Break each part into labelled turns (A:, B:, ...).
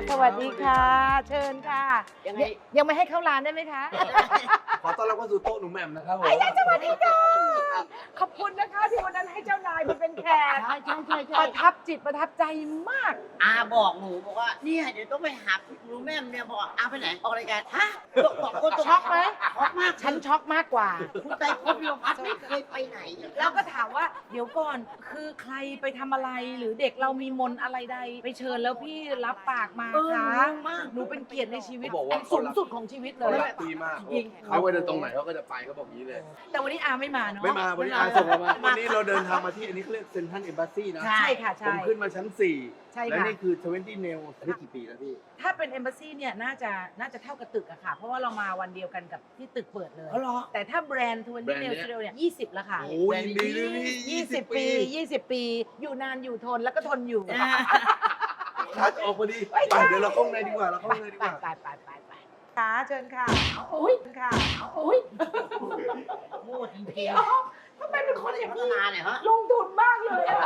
A: สวัสดีค่ะเชิญค่ะยังไม่ให้เข้าร้านได้ไหมคะ
B: ขอต้อนรับเข้าสู่โต๊ะหนูแหม่มนะครับผม
A: สวัสดีค่ะขอบคุณนะคะที่วันนั้นให้เจ้านายมาเป็นแขก
C: ใช่
A: ประทับจิตประทับใจมาก
C: อาบอกหนูบอกว่าเนี่ยเดี๋ยวต้องไปหาหนูแม่มเนี่ยบอกอาไปไหนออกรายการฮะบอกคน
A: ช็อกไหม
C: ช็อกมาก
A: ฉันช็อกมากกว่า
C: คุณใจพบพิพัฒน์ไม่เคยไปไหน
A: แล้วก็ถามว่าเดี๋ยวก่อนคือใครไปทำอะไรหรือเด็กเรามีมนต์อะไรใดไปเชิญแล้วพี่รับปากมา
C: เออ
A: คะ
C: งงมาก
A: หนูเป็นเกียรติในชีวิต
B: เขาบอกว่า
A: สูงสุดของชีวิตเล
B: เขา
A: ย
B: รักพี่มาก
A: จริง
B: เขาไปเดินตรงไหนเขาก็จะไปเขาบอกอย่างนี้เลย
A: แต่วันนี้อาไม่มาเนาะ
B: ไม่มาวันนี้อาส่งเรามาวันนี้เราเดินทางมาที่อันนี้เขาเรียกเซนทรัลเอมบาซีนะ
A: ใช่ค่ะ
B: ผ
A: ใช่
B: มขึ้นมาชั้น 4
A: ใช่ค่ะ
B: และนี่คือ20 Nail อันนี้กี่ปีแล้วพี่
A: ถ้าเป็น Embassy เนี่ยน่าจะเท่ากับตึกอะค่ะ เพราะว่าเรามาวันเดียวกันกับที่ตึกเปิดเลย
C: อ๋อเหรอ
A: แต่ถ้าแบรนด์ทวน
B: แบร
A: ตี้
B: นด์
A: เน
B: เนี้
A: ล
B: ย
A: สเตลเนี่ย20 แล้วค่ะ
B: โอ้ยยินดีด้วยพี่
A: 20 ปี 20 ปี อยู่นานอยู่ทนแล้วก็ทนอยู่
B: คัดออกพอดีไปเดี๋ยวเราเข้าข้างในดีกว่าเราเข้าข้างในดีกว่า
A: ไปค่ะเชิญค่ะอุ้ยค่ะอุ้ย
C: โง่จริง
A: พี่
C: ๆ
A: อ๋อทำไมเป็นคนอย่าง
C: พัฒ
A: นี้
C: นาเนี่ยฮะ
A: ลงทุนมากเลยอะ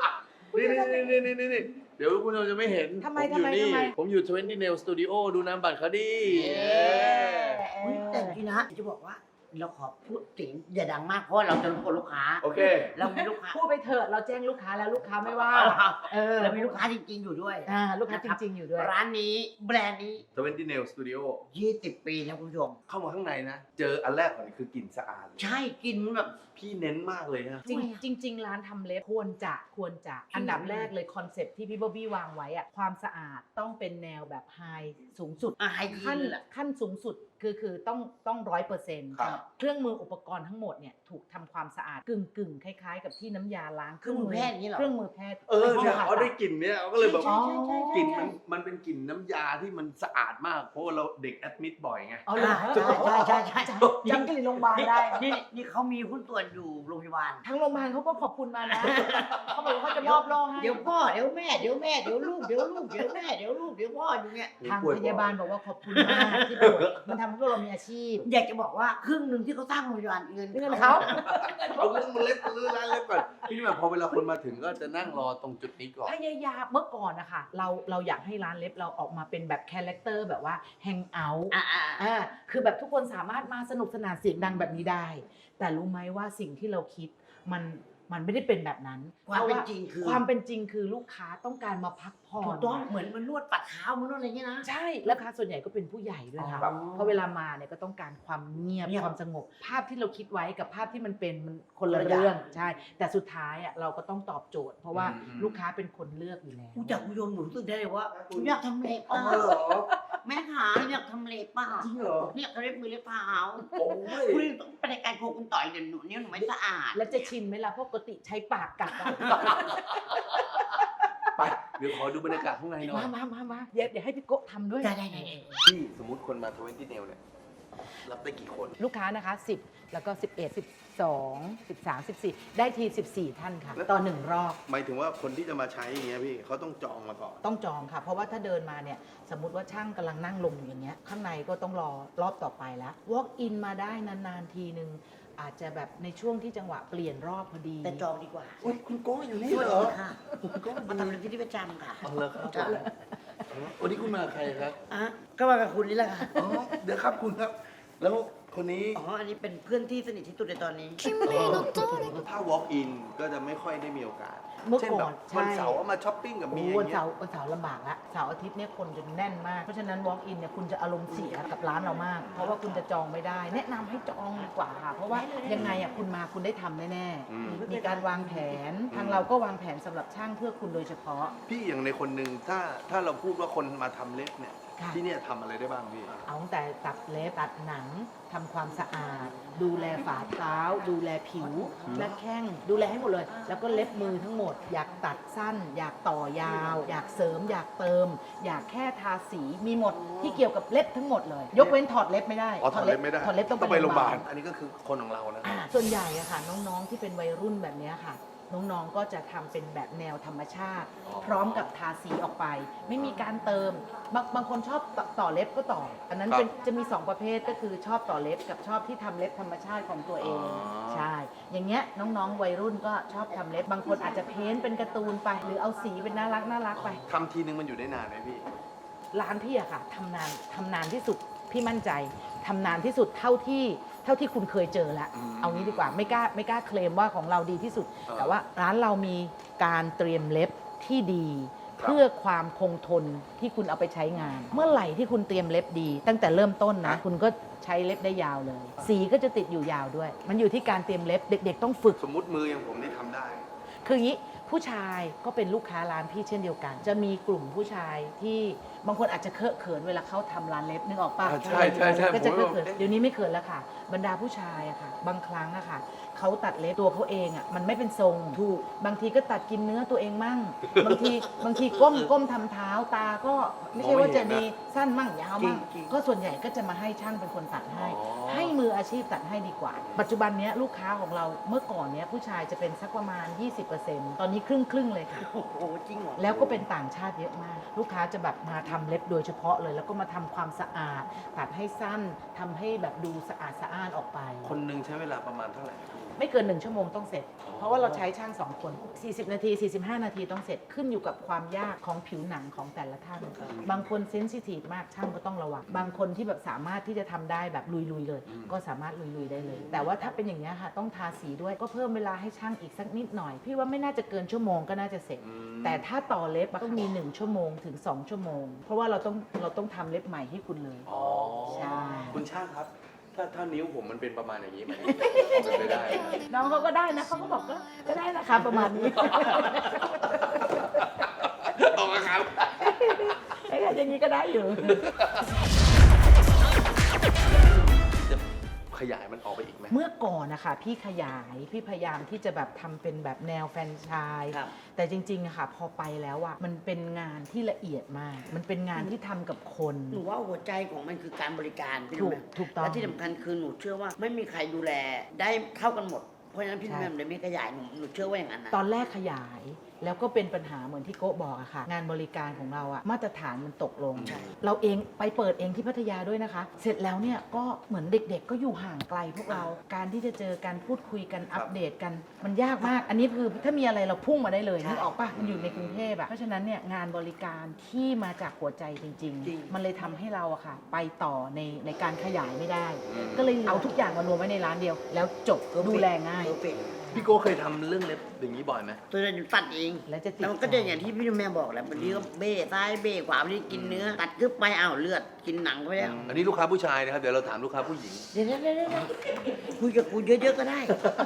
B: นี่เดี๋ยวคุณผู้ชมจะไม่เห็น
A: ทำไม
B: ผมอยู่นี่
A: ทำไม
B: ผมอยู่20 Nail Studio ดูน้ำบัตรเขาดี
C: อุ๊ยแต่จริงนะจะบอกว่าเราขอพูดเสียงอย่าดังมากเพราะเราจะรบกวนลูกค้า
B: โอเค
C: เรามีลูกค้า
A: พูดไปเถอะเราแจ้งลูกค้าแล้วลูกค้าไม่ว่าเออ
C: เรามีลูกค้าจริงๆอยู่ด้วย
A: ลูกค้าจริงๆอยู่ด้วย
C: ร้านนี้แบรนด์นี้
B: 20 Nail Studio
C: 20 ปีแล้วคุณผู้ชม
B: เข้ามาข้างในนะ เจออันแรกก่อนคือกลิ่นสะอาด
C: ใช่กินมันแบบ
B: พี่เน้นมากเลยนะ
A: จริงร้านทำเล็บควรจะอันดับแรกเลยคอนเซ็ปต์ที่พี่บ๊อบบี้วางไว้อะความสะอาดต้องเป็นแนวแบบไฮสูงสุด
C: ไฮยี
A: ขั้น
C: นเลยแหละ
A: ขั้นสูงสุดคือต้อง100%
B: ครับ
A: เครื่องมืออุปกรณ์ทั้งหมดเนี่ยถูกทำความสะอาดกึ่งคล้ายๆ กับที่น้ำยาล้าง
C: เครื่องมือแพทย์อย่างนี้เหรอ
A: เครื่องมือแพทย์
B: เนี่ย
A: ไม่
B: เขา
A: ใช่
B: ได้กลิ่นเนี่ยเขาก็เลยแบบ
C: ใช่
B: กลิ่นมันเป็นกลิ่นน้ำยาที่มันสะอาดมาก เพราะว่าเราเด็กแอดมิดบ่อยไง
A: อ๋อเหรอ
C: ใช่
A: จำกลิ่นโรงพยาบาลได้
C: นี่เขามีหุ้นส่วนอยู่โรงพยาบาล
A: ทางโรงพยาบาลเขาก็ขอบคุณมานะ เขาบอกว่าเขาจะมอบโล่ให้
C: เดี๋ยวพ่อเดี๋ยวแม่เดี๋ยวลูกเดี๋ยวลูกเดี๋ยวแม่เดี๋ยวลูกเดี๋ยวพ่ออยู่เนี่ย
A: ทางพยาบาลบอกว่าขอบคุณมากที่แบบมันทำให้พวกเรามีอาชีพ
C: อยากจะบอกว่าครึ่งหนึ่งที่เขาสร้างโรงพยาบาลเงิน
A: เงินเขา
B: เอาเรื่องมันเล็บรื้อร้านเล็บก่อนพี่แบบพอเวลาคนมาถึงก็จะนั่งรอตรงจุดนี้ก่อน
A: พยายามเมื่อก่อนนะคะเราอยากให้ร้านเล็บเราออกมาเป็นแบบคาแรคเตอร์แบบว่าแฮงเอาท์คือแบบทุกคนสามารถมาสนุกสนานเสียงดังแบบนี้ได้ แต่รู้ไหมว่าสิ่งที่เราคิดมันไม่ได้เป็นแบบนั้น
C: ความเป็นจริงคือ
A: ความเป็นจริงคือลูกค้าต้องการมาพักผ่อ
C: ถู
A: น
C: กต้องเหมือนมันนวดปัดเท้ามันนวดอะไรเงี้ยนะ
A: ใช่แล้วลูกค้าส่วนใหญ่ก็เป็นผู้ใหญ่ด้วยค่ะ
C: อ๋อ
A: เพราะเวลามาเนี่ยก็ต้องการความเงียบ
C: เงียบ
A: ความสงบ ภาพที่เราคิดไว้กับภาพที่มันเป็นมันคนละ
C: คนละอย่าง
A: เรื่องใช่ แต่สุดท้ายอ่ะเราก็ต้องตอบโจทย์ เพราะว่า
B: อืม
A: ลูกค้าเป็นคนเลือกอยู่แล้ว
C: ผู้จักผู้ชมหนูรู้สึกได้เลยว่าหนูอยากทำเล็บ
B: อ๋อ
C: อ่ะ
B: เหรอ
C: แม่ขาอยากทำเล็บป่ะ
B: จริงเหรอ
C: เนี่ยเขาเล็บมือเล็บเท้า
B: โอ้ย
C: คุณต้องไปรายการโคคุณต่อยเดี๋ยวหนูเนี่ยหนูไม่สะอาด
A: แล้วจะชินไหมล่ะเพราะปกติใช้ปากกัดอะ
B: ไปเดี๋ยวขอดูบรรยากาศข้างในหน่อย
A: มาเดี๋ยวให้พี่โกะทำด้วย
C: ได้
B: พี่สมมุติคนมา20 Nail เนี่ยรับได้กี่คน
A: ลูกค้านะคะ10แล้วก็11 12 13 14ได้ที14ท่านค่ะ
B: แล้ว
A: ต่อ1รอบ
B: หมายถึงว่าคนที่จะมาใช้อย่างเงี้ยพี่เขาต้องจองมาก่อน
A: ต้องจองค่ะ เพราะว่าถ้าเดินมาเนี่ยสมมติว่าช่างกำลังนั่งลงอยู่อย่างเงี้ยข้างในก็ต้องรอรอบต่อไปแล้ว walk in มาได้นานๆทีนึงอาจจะแบบในช่วงที่จังหวะเปลี่ยนรอบพอดี
C: แต่จองดีกว่า
B: อุ้ยคุณโก้อยู่นี่
C: สวัส
B: เหร
C: ดี
B: อ
C: ค่ะมาทำเล็บที่ประจำค่ะ
B: เอาเลยครับวันนี้คุณมากับใครครับ
C: อ่ะก็มากับคุณนี่แหละค่ะ
B: อ๋อเดี๋ยวครับคุณครับ แล้วคนนี้
C: อ๋อ อันนี้เป็นเพื่อนที่สนิทที่สุดในตอนนี้
B: ถ้า walk in ก็จะไม่ค่อยได้มีโอกาส
A: เมื่อ
B: เช่น
A: ก่
B: แบ
A: อบ น
B: วัน
A: ใช่
B: เสาร์มาช้อปปิ้งกับเมียอ
A: วัน
B: ย่างเงี้
A: เสาย ร์วันเสาร์ลำบากละเสาร์อาทิตย์เนี่ยคนจะแน่นมาก เพราะฉะนั้น walk in เนี่ยคุณจะอารมณ์เสียกับร้านเรามาก เพราะว่าคุณจะจองไม่ได้ แนะนำให้จองดีกว่าค่ะ เพราะว่ายังไงอ่ะคุณมาคุณได้ทำแน่
B: อืม
A: ๆมีการวางแผนทางเราก็วางแผนสำหรับช่างเพื่อคุณโดยเฉพาะ
B: พี่อย่างในคนหนึ่งถ้าเราพูดว่าคนมาทำเล็บเนี่ย
A: ค่ะ
B: ที่เนี่ยทำอะไรได้บ้างพี่
A: เอาตั้งแต่ตัดเล็บตัดหนังทำความสะอาด ดูแลฝ่าเท้า ดูแลผิวและแข้งดูแลให้หมดเลย แล้วก็เล็บมือทั้งหมด อยากตัดสั้น อยากต่อยาว อยากเสริม อยากเติม อยากแค่ทาสีมีหมดที่เกี่ยวกับเล็บทั้งหมดเลย ยกเว้นถอดเล็บไม่ได้
B: อ๋อถอดเล็บไม่ได้
A: ถอดเล็บต้อง
B: ไปโรงพยาบาล
A: ล
B: อันนี้ก็คือคนของเรานะ
A: ส่วนใหญ่อะค่ะน้องๆที่เป็นวัยรุ่นแบบเนี้ยค่ะ น้องๆก็จะทำเป็นแบบแนวธรรมชาติ พร้อมกับทาสีออกไป ไม่มีการเติมบางคนชอบต่อเล็บก็ต่อ อันนั้นเป็นจะมี2ประเภทก็คือชอบต่อเล็บกับชอบที่ทำเล็บธรรมชาติของตัวเอง ใช่ อย่างเงี้ยน้องๆวัยรุ่นก็ชอบทำเล็บบางคนอาจจะเพ้นท์เป็นการ์ตูนไป หรือเอาสีเป็นน่ารักไป
B: ทำทีนึงมันอยู่ได้นานไหมพี่
A: ร้านพี่อะค่ะทำนานที่สุดพี่มั่นใจทำนานที่สุดเท่าที่คุณเคยเจอแล้ว เอางี้ดีกว่าไม่กล้าเคลมว่าของเราดีที่สุด แต่ว่าร้านเรามีการเตรียมเล็บที่ดี เพื่อความคงทนที่คุณเอาไปใช้งาน เมื่อไหร่ที่คุณเตรียมเล็บดี ตั้งแต่เริ่มต้นนะคุณก็ใช้เล็บได้ยาวเลย สีก็จะติดอยู่ยาวด้วย มันอยู่ที่การเตรียมเล็บเด็ก ๆ ต้องฝึก
B: สมมุติมืออย่างผมนี่ทำได้
A: คืออย่างนี้ผู้ชายก็เป็นลูกค้าร้านพี่เช่นเดียวกัน จะมีกลุ่มผู้ชายที่บางคนอาจจะเคอะเขินเวลาเขาทำร้านเล็บนึกออกปะ
B: ใช่
A: ก็จะเคอะ
B: ผม
A: เขิน
B: ว่า
A: เดี๋ยวนี้ไม่เขินแล้วค่ะ บรรดาผู้ชายอะค่ะ บางครั้งอะค่ะเขาตัดเล็บตัวเขาเองอะมันไม่เป็นทรงถูกบางทีก็ตัดกินเนื้อตัวเองมั่ง บางทีก้มทำเท้าตาก็ไม่ใช่ว่าจะดีสั้นมั่งยาวมั่ง
C: จริงๆ
A: ก็ส่วนใหญ่ก็จะมาให้ช่างเป็นคนตัดให้
B: อ๋อ
A: ให้มืออาชีพตัดให้ดีกว่า ปัจจุบันเนี้ยลูกค้าของเราเมื่อก่อนเนี้ยผู้ชายจะเป็นสักประมาณ 20%ตอนนี้ครึ่งเลยค่ะ
C: โอ้โหจริงเหรอ
A: แล้วก็เป็นต่างชาติเยอะมาก ลูกค้าจะแบบมาทำเล็บโดยเฉพาะเลย แล้วก็มาทำความสะอาด ตัดให้สั้นทำให้แบบดูสะอาดสะอ้านออกไป
B: คนหนึงใช้เวลาประมาณเท่าไหร่
A: ไม่เกิน 1 ชั่วโมงต้องเสร็จ เพราะว่าเราใช้ช่าง 2 คน 40 นาที 45 นาทีต้องเสร็จขึ้นอยู่กับความยากของผิวหนังของแต่ละท่าน บางคนเซนซิทีฟมากช่างก็ต้องระวัง บางคนที่แบบสามารถที่จะทำได้แบบลุยๆเลย ก็สามารถลุยๆได้เลย แต่ว่าถ้าเป็นอย่างนี้ยค่ะต้องทาสีด้วยก็เพิ่มเวลาให้ช่างอีกสักนิดหน่อย พี่ว่าไม่น่าจะเกินชั่วโมงก็น่าจะเสร็จ แต่ถ้าต่อเล็บอะต้องมี 1 ชั่วโมงถึง 2 ชั่วโมง เพราะว่าเราต้องทำเล็บใหม่ให้คุณเลย
B: อ๋อ
A: ใช่
B: คุณช่างครับ ถ้านิ้วผมมันเป็นประมาณอย่างนี้มันเป็นไปได้
A: น้องเขาก็ได้นะเขาก็บอกก็ได้นะคะประมาณนี้
B: ออกมาครับ
A: ไอ้ก็อย่างนี้ก็ได้อยู่
B: จะขยายมันออกไปอีกไหม
A: เมื่อก่อนนะคะพี่ขยายพี่พยายามที่จะแบบทำเป็นแบบแนวแฟรนไชส์
C: ครับ
A: แต่จริงๆอะค่ะพอไปแล้วอะมันเป็นงานที่ละเอียดมาก มันเป็นงานที่ทำกับคน
C: หนูว่าหัวใจของมันคือการบริการพี่
A: ถูก
C: แม่
A: ถูกต้อง
C: และที่สำคัญคือหนูเชื่อว่าไม่มีใครดูแลได้เท่ากันหมด เพราะฉะนั้นพี่
A: ใช่
C: แม่เลยไม่ขยายหนูเชื่อว่าอย่างนั้นนะ
A: ตอนแรกขยายแล้วก็เป็นปัญหาเหมือนที่โก้บอกอะค่ะ งานบริการของเราอะมาตรฐานมันตกลง
C: ใช่
A: เราเองไปเปิดเองที่พัทยาด้วยนะคะ เสร็จแล้วเนี่ยก็เหมือนเด็กๆ ก็อยู่ห่างไกลพวกเรา การที่จะเจอการพูดคุยกันอัปเดตกันมันยากมาก อันนี้คือถ้ามีอะไรเราพุ่งมาได้เลยนึกออกปะมันอยู่ในกรุงเทพอะเพราะฉะนั้นเนี่ยงานบริการที่มาจากหัวใจจริง ๆ มันเลยทำให้เราอะค่ะ ไปต่อในการขยายไม่ได้ ก็เลยเอาทุกอย่างมารวมไว้ในร้านเดียว แล้วจบดูแลง่าย
C: เพอร์เฟกต์
B: พี่โก้เคยทำเรื่องเล็บอย่างนี้บ่อยไหม
C: ตัวนั้นหนูตัดเอง
A: แล้วจะติด
C: แล้วมันก็จะอย่างที่พี่แม่บอกแหละบางทีก็เบ้ซ้ายเบ้ขวาบางทีกินเนื้อ ตัดกึบไปอ้าวเลือดกินหนังไปแล้ว
B: อันนี้ลูกค้าผู้ชายนะครับ เดี๋ยวเราถามลูกค้าผู้หญิง
C: เดี๋ยวคุยกับกูเยอะๆก็ได้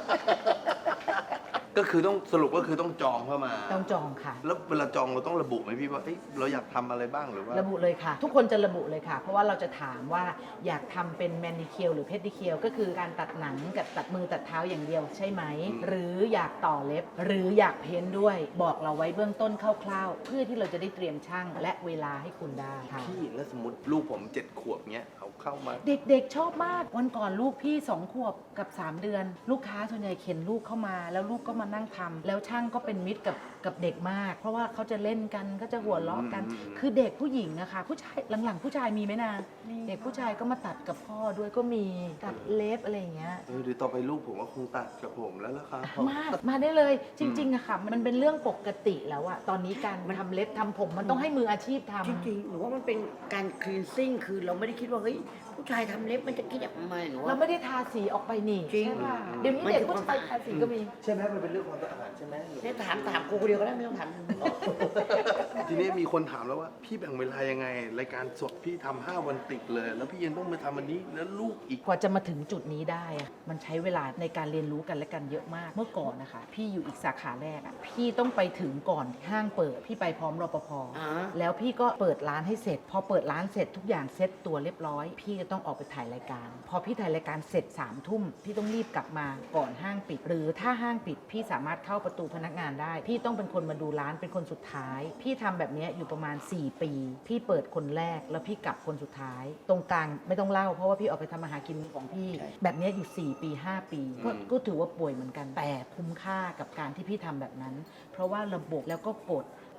B: ก็คือต้องสรุปก็คือต้องจองเข้ามา
A: ต้องจองค่ะ
B: แล้วเวลาจองเราต้องระบุไหมพี่ว่าเอ้ยเราอยากทำอะไรบ้างหรือว่า
A: ระบุเลยค่ะ ทุกคนจะระบุเลยค่ะ เพราะว่าเราจะถามว่าอยากทำเป็นแมนนิเคียวหรือเพดดิเคียวก็คือการตัดหนังกับตัดมือตัดเท้าอย่างเดียวใช่ไหม หรืออยากต่อเล็บ หรืออยากเพ้นท์ด้วย บอกเราไว้เบื้องต้นคร่าวๆ เพื่อที่เราจะได้เตรียมช่างและเวลาให้คุณได้ค่ะ
B: พี่แล้วสมมติลูกผม7 ขวบเงี้ยเขาเข้ามา
A: เด็กๆชอบมาก วันก่อนลูกพี่ 2 ขวบกับ 3 เดือน ลูกค้าส่วนใหญ่เข็นลูกเข้ามา แล้วลูกก็มานั่งทำแล้วช่างก็เป็นมิตรกับเด็กมาก เพราะว่าเขาจะเล่นกันก็จะหัวเราะกัน คือเด็กผู้หญิงนะคะผู้ชายหลังๆ ผู้ชายมีไหมนะเด็กผู้ชายก็มาตัดกับพ่อด้วยก็มีตัดเล็บอะไรอย่างเงี้ย
B: เดี๋ยวต่อไปลูกผมก็คงตัดกับผมแล้วล่ะครับ
A: มาได้เลยจริงๆอะค่ะมันเป็นเรื่องปกติแล้วอะตอนนี้การทำเล็บทำผมมันต้องให้มืออาชีพทำ
C: จริงๆหนูว่ามันเป็นการคลีนซิ่งคือเราไม่ได้คิดว่าเฮ้ยผู้ชายทำเล็บมันจะคิดแบบไม่หนู
A: เรา
C: ว่า
A: ไม่ได้ทาสีออกไปนี่
C: จริง
A: ใช่ป่ะเดี๋ยวนี้เด็กผู้ชายทาสีก็มี
B: ใช่ไหมมันเป็นเรื่องความสะอาดใช่ไหม
C: เนี่ยถามกูคนเดียวก็ได้ไม่ต้องถาม
B: ทีนี้มีคนถามแล้วว่าพี่แบ่งเวลายังไง รายการสดพี่ทำ5 วันติดเลย แล้วพี่ยังต้องมาทำอันนี้แล้วลูกอีก
A: กว่าจะมาถึงจุดนี้ได้อะมันใช้เวลาในการเรียนรู้กันและกันเยอะมาก เมื่อก่อนนะคะ พี่อยู่อีกสาขาแรกอะพี่ต้องไปถึงก่อนห้างเปิด พี่ไปพร้อมรปภ
C: อ่า
A: แล้วพี่ก็เปิดร้านให้เสร็จ พอเปิดร้านเสร็จทุกอย่างเซ็ตตัวเรียบร้อย พี่จะต้องออกไปถ่ายรายการ พอพี่ถ่ายรายการเสร็จ3 ทุ่ม พี่ต้องรีบกลับมาก่อนห้างปิด หรือถ้าห้างปิด พี่สามารถเข้าประตูพนักงานได้ พี่ต้องเป็นคนมาดูร้านเป็นคนสุดท้าย พี่ทำแบบเนี้ยอยู่ประมาณ 4 ปี พี่เปิดคนแรกแล้วพี่กลับคนสุดท้าย ตรงกลางไม่ต้องเล่าเพราะว่าพี่ออกไปทำอาหารกินของพี่ แบบเนี้ยอยู่ 4 ปี 5 ปีก็ถือว่าป่วยเหมือนกัน แต่คุ้มค่ากับการที่พี่ทำแบบนั้น เพราะว่าระบบแล้วก็กฎ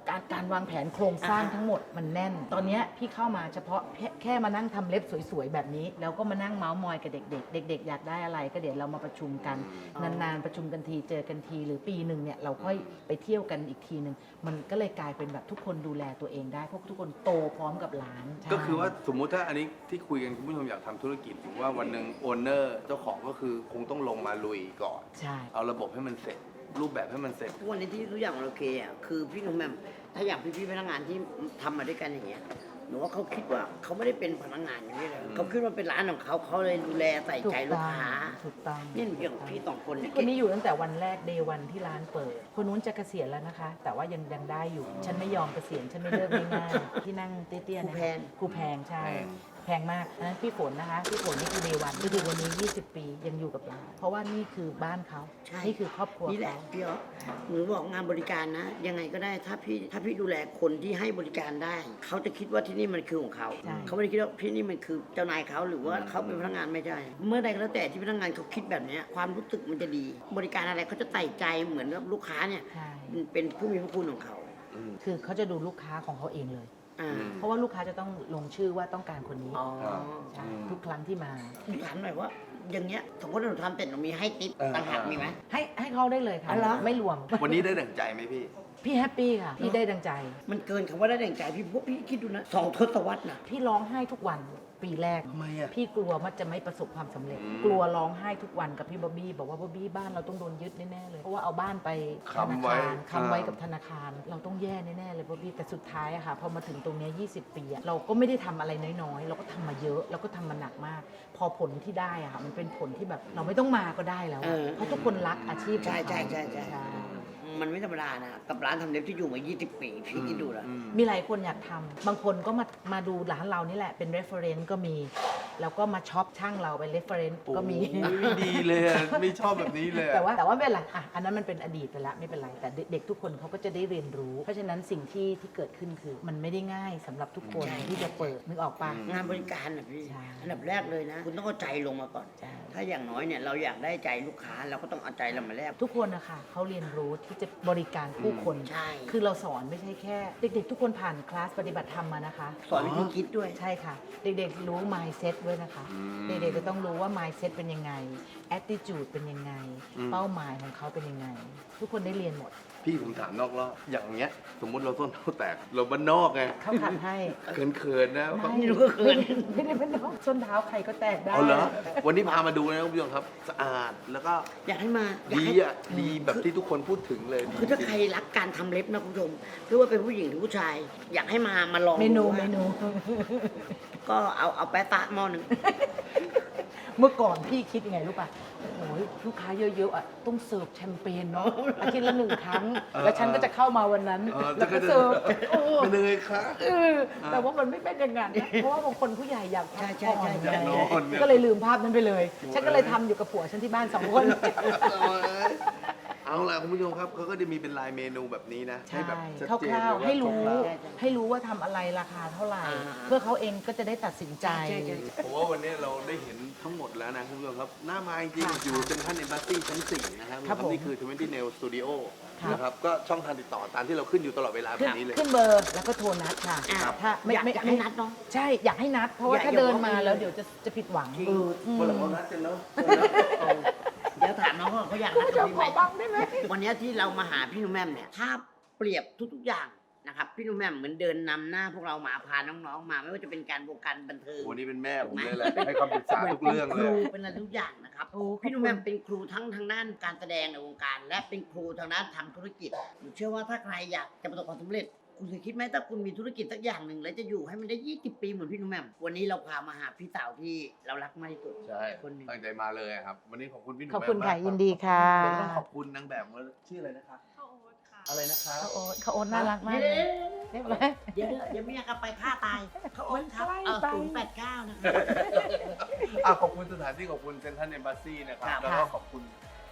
A: การวางแผนโครงสร้างทั้งหมดมันแน่น ตอนเนี้ยพี่เข้ามาเฉพาะแค่มานั่งทำเล็บสวยๆแบบนี้แล้วก็มานั่งเมาส์มอยกับเด็กๆเด็กๆอยากได้อะไรก็เดี๋ยวเรามาประชุมกันนานๆประชุมกันทีเจอกันทีหรือปีหนึ่งเนี่ยเราค่อยไปเที่ยวกันอีกทีหนึ่งมันก็เลยกลายเป็นแบบทุกคนดูแลตัวเองได้เพราะทุกคนโตพร้อมกับร้านใช่
B: ก็คือว่าสมมุติถ้าอันนี้ที่คุยกันคุณผู้ชมอยากทำธุรกิจถือว่าวันหนึ่งโอนเนอร์เจ้าของก็คือคงต้องลงมาลุยก่อน
A: ใช่
B: เอาระบบให้มันเสร็จ รูปแบบให้มันเสร็จ
C: ทุกวันนี้ที่ทุกอย่างมันโอเคอ่ะคือพี่หนุ่มแหม่มถ้าอย่างพี่ๆพนักงานที่ทำมาด้วยกันอย่างเงี้ยหนูว่าเขาคิดว่าเขาไม่ได้เป็นพนักงานอย่างนี้เลยเขาคิดว่าเป็นร้านของเขาเลยดูแลใส่ใจลูกค้า
A: ถูกต้อง
C: เนี่ยหนูอย่างพี่สองคนเนี่ย
A: คนนี้อยู่ตั้งแต่วันแรกเดย์วันที่ร้านเปิด คนนู้นจะเกษียณแล้วนะคะ แต่ว่ายังได้อยู่ ฉันไม่ยอมเกษียณฉันไม่เลิกง่ายๆที่นั่งเตี้ยๆ
C: ครู
A: นะ
C: แพง
A: ครูแพงใช่
B: แพง
A: แพงมากอันนั้นพี่ฝนนะคะพี่ฝนนี่คือเดย์วันก็คือวันนี้ 20 ปียังอยู่กับเราเพราะว่านี่คือบ้านเขา
C: ใช่
A: นี่คือครอบครัว
C: นี่แหละ
A: เขา
C: พี่อ๋อหนูบอกงานบริการนะ ยังไงก็ได้ถ้าพี่ดูแลคนที่ให้บริการได้ เขาจะคิดว่าที่นี่มันคือของเขา
A: ใช่
C: เขาไม่ได้คิดว่าที่นี่มันคือเจ้านายเขาหรือว่าเขาเป็นพนักงานไม่ใช่ เมื่อใดก็แล้วแต่ที่พนักงานเขาคิดแบบเนี้ยความรู้สึกมันจะดี บริการอะไรเขาจะใส่ใจเหมือนกับลูกค้าเนี่ย
A: ใช่
C: เป็นผู้มีพระคุณของเขา
B: อืม
A: คือเขาจะดูลูกค้าของเขาเองเลย
C: อ่า
A: เพราะว่าลูกค้าจะต้องลงชื่อว่าต้องการคนนี้
C: อ๋อ
A: ใช่ทุกครั้งที่มา
C: ถามหน่อยว่า อย่างเงี้ยสมมติว่าหนูทำเสร็จหนูมีให้ติ๊บต่างหากมีไหม
A: ให้เขาได้เลยค่ะ
C: อ๋อเหรอ
A: ไม่รวม
B: วันนี้ได้ดั่งใจไหมพี่
A: พี่แฮปปี้ค่ะ พี่ได้ดังใจ
C: มันเกินคำว่าได้แรงใจพี่พวกพี่คิดดูนะ2 ทศวรรษนะ
A: พี่ร้องไห้ทุกวันปีแรก
B: ทำไมอ่ะ
A: พี่กลัวว่าจะไม่ประสบความสำเร็จ
B: อืม
A: กลัวร้องไห้ทุกวันกับพี่บ๊อบบี้บอกว่าบ๊อบบี้บ้านเราต้องโดนยึดแน่ๆเลยเพราะว่าเอาบ้านไปธนา
B: ค้ำไว้
A: คารค้ำไว้
B: อ่ากั
A: กับธนาคาร เราต้องแย่แน่ๆเลยบ๊อบบี้แต่สุดท้ายอะค่ะพอมาถึงตรงเนี้ย20 ปีอะเราก็ไม่ได้ทำอะไรน้อยๆ เราก็ทำมาเยอะเราก็ทำมาหนักมาก พอผลที่ได้อะค่ะมันเป็นผลที่แบบเราไม่ต้องมาก็ได้แล้วอะเพราะทุกคนรักอาชีพของ
C: ใช่
A: เขา
C: ใช่มันไม่ธรรมดานะกับร้านทำเล็บที่อยู่มา20 ปีพี่คิดดูนะ
B: อืม
A: มีหลายคนอยากทำบางคนก็มาดูร้านเรานี่แหละเป็น reference ก็มี แล้วก็มาช็อปช่างเราเป็น reference ก็มี
B: โอ้ยดีเลยอะไม่ชอบแบบนี้เลยอะ
A: แต่ว่าไม่เป็นไรอ่ะอันนั้นมันเป็นอดีตไปแล้วไม่เป็นไร แต่เด็กทุกคนเขาก็จะได้เรียนรู้ เพราะฉะนั้นสิ่งที่เกิดขึ้นคือ มันไม่ได้ง่ายสำหรับทุกคน
C: ใช่
A: ที่จะเปิดนึกออกปะ
C: งานบริการนะพี่
A: ใช่
C: อันดับแรกเลยนะ คุณต้องเอาใจลงมาก่อน
A: ใช่
C: ถ้าอย่างน้อยเนี่ยเราอยากได้ใจลูกค้าเราก็ต้องเอาใจเรามาแลก
A: ทุกคนนะคะเขาเรียนรู้ที่จะบริการผู้คน
C: ใช่
A: คือเราสอนไม่ใช่แค่ เด็กๆ ทุกคนผ่านคลาสปฏิบัติธรรมมานะคะ
C: สอนวิธีคิดด้วย
A: ใช่ค่ะ เด็กๆ รู้ mindset ด้วยนะคะ
B: อืม
A: เด็กๆ จะต้องรู้ว่า mindset เป็นยังไง attitude เป็นยังไง
B: อืม
A: เป้าหมายของเขาเป็นยังไง ทุกคนได้เรียนหมด
B: พี่ผมถามนอกรอบอย่างเงี้ย สมมุติเราส้นเท้าแตก เราบ้านนอกไง
A: เขาขัดให้
B: เขินๆนะ
A: ไม่
C: นี่หนูก็เขิน
A: ไม่ได้เป็นน้องส้นเท้าใครก็แตกได้
B: เอาเหรอ วันนี้พามาดูนะคุณผู้ชมครับ สะอาดแล้วก็
C: อยากให้มาอยาก
B: ดี
C: ให้
B: อ่ะ ดีแบบที่ทุกคนพูดถึงเลยดี
C: คือถ้าใครรักการทำเล็บนะคุณผู้ชมไม่ว่าเป็นผู้หญิงหรือผู้ชาย อยากให้มาลอง
A: เมนู
C: ดูว่า
A: เมนู
C: ก็เอาแปะตะหม้อหนึ่ง
A: เมื่อก่อนพี่คิดยังไงรู้ป่ะโอ้ยลูกค้าเยอะๆอ่ะต้องเสิร์ฟแชมเปญเนาะอาทิตย์ละ1 ครั้ง แล้วฉันก็จะเข้ามาวันนั้น แล้วก็เสิร์ฟโอ้
B: เป็นยังไงคะ
A: แต่ว่ามันไม่เป็นอย่างนั้นนะเพราะว่าบางคนผู้ใหญ่อยากพัก
C: ใช่
A: ผ่อน
C: ใช่
A: ไง
B: อยากนอนเนี่ย
A: ก็เลยลืมภาพนั้นไปเลย ฉันก็เลยทำอยู่กับผัวฉันที่บ้าน2 คน
B: เอาล่ะคุณผู้ชมครับเขาก็จะมีเป็นลายเมนูแบบนี้นะ
A: ใช่
B: แบบชัด
A: คร่
B: เจน
A: าว
B: เลย
A: ๆให้รู้
B: คร่าว
A: ให้รู้ว่าทำอะไรราคาเท่าไหร่
C: อ่า
A: เพื่อเขาเองก็จะได้ตัดสินใจ
C: ใช่
B: ๆผมว่าวันนี้เราได้เห็นทั้งหมดแล้วนะคุณผู้ชมครับหน้ามาจริง
A: ค่ะ
B: ๆอยู่เซ็นทรัลเอมบาซีชั้น 4 นะครับ
A: ครับผม
B: นี่คือ20 Nail Studio
A: ครับ
B: นะครับก็ช่องทางติดต่อตามที่เราขึ้นอยู่ตลอดเวลาแบบนี้เลย
A: ขึ้นเบอร์แล้วก็โทรนัดค่ะ
C: อ่า
A: ถ้าไม่
C: อยาก
A: ไม่
C: อยากให้นัดเนาะ
A: ใช่อยากให้นัด เพราะว่า
C: อย่า
A: ถ้า
C: อย่า
A: เดิน
C: บอก
A: มา
C: เลย
A: แล้วเดี๋ยวจะผิดหวัง
C: จริง
B: วันหลังเรานัดกันเนาะ
C: เดี๋ยวถามน้องว่าเขาอยากนัด
A: เดี๋ยว
C: พี่
A: ข
C: ไหม
A: อบ้างได้ไหม
C: วันนี้ที่เรามาหาพี่หนุ่มแม่มเนี่ยถ้าเปรียบทุกๆอย่างนะครับพี่หนุ่มแม่มเหมือนเดินนำหน้าพวกเรามาพาน้องๆมาไม่ว่าจะเป็นการวงการบันเทิง
B: วันนี้เป็นแม่ผมเลยแหละให้คำปรึกษาทุกเรื่อง
C: ค
B: เล
C: รู
B: ย
C: เป็นอะไรทุกอย่างนะครับ
A: โอ้
C: พี่หนุ่มแม่มเป็นครูทั้งทางด้านการแสดงในวงการ และเป็นครูทางด้านทำธุรกิจผมเชื่อว่าถ้าใครอยากจะประสบความสำเร็จ คุณเคยคิดไหมถ้าคุณมีธุรกิจสักอย่างหนึ่งแล้วจะอยู่ให้มันได้20 ปีเหมือนพี่หนุ่มแม่มวันนี้เราพามาหาพี่สาวที่เรารักมากที่สุด
B: ใช่
C: คนหนึ่ง
B: ตั้งใจมาเลยครับ วันนี้ขอบคุณพี่หนุ่ม
A: ขอบคุณค่ะ
B: มาก
A: ยินดีค่ะ
B: แล้วต้องขอบคุณนางแบบชื่ออะไรนะคะ
D: ข้าวโอ๊ตค่ะ
B: อะไรนะคะ
A: เขาโอนน่ารักมากเลยเรียบร้อย
C: เดี๋ยวไม่อยากกลับไปฆ่าตายเขาโอนครับ
A: มันใกล้ไป
C: 089นะครับ
B: ขอบคุณสถานที่ขอบคุณเซ็นทรัลเอมบาซีนะครับ
C: ครับ
B: แล้วก็ขอบคุณ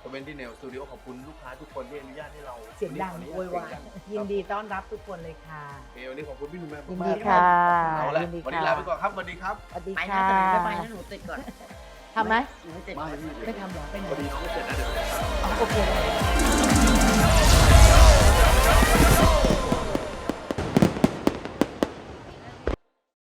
B: 20 สตูดิโอขอบคุณลูกค้าทุกคนที่อนุญาตให้เรา
A: เสียงดัง
B: วันนี้
C: โวยวาย
B: เสีงดัง
A: ยินดีต้อนรับทุกคนเลยค่ะ
B: โอเควันนี้ขอบคุณพี่หนุ่มแม่
A: ยิน
B: มา
A: ดี
B: กๆ
A: ค่ะ
B: เอาละ
A: ยินดี
B: วันนี้
A: ค่ะ
B: ลาไปก่อนครับสวัสดีครับ
A: สวัสดี
C: ไปนะ
A: ค่ะ
C: แต่หนูไม่ไปนะหนูติดก่อน
A: ทำไหม
C: หนูไม่ติด
B: ไม่
C: ก่อน
B: พี่
A: ไม่ทำหรอไปไหน
B: พอดีน้องไม่เสร็จนะเดี๋ยว
A: อ๋อโอเค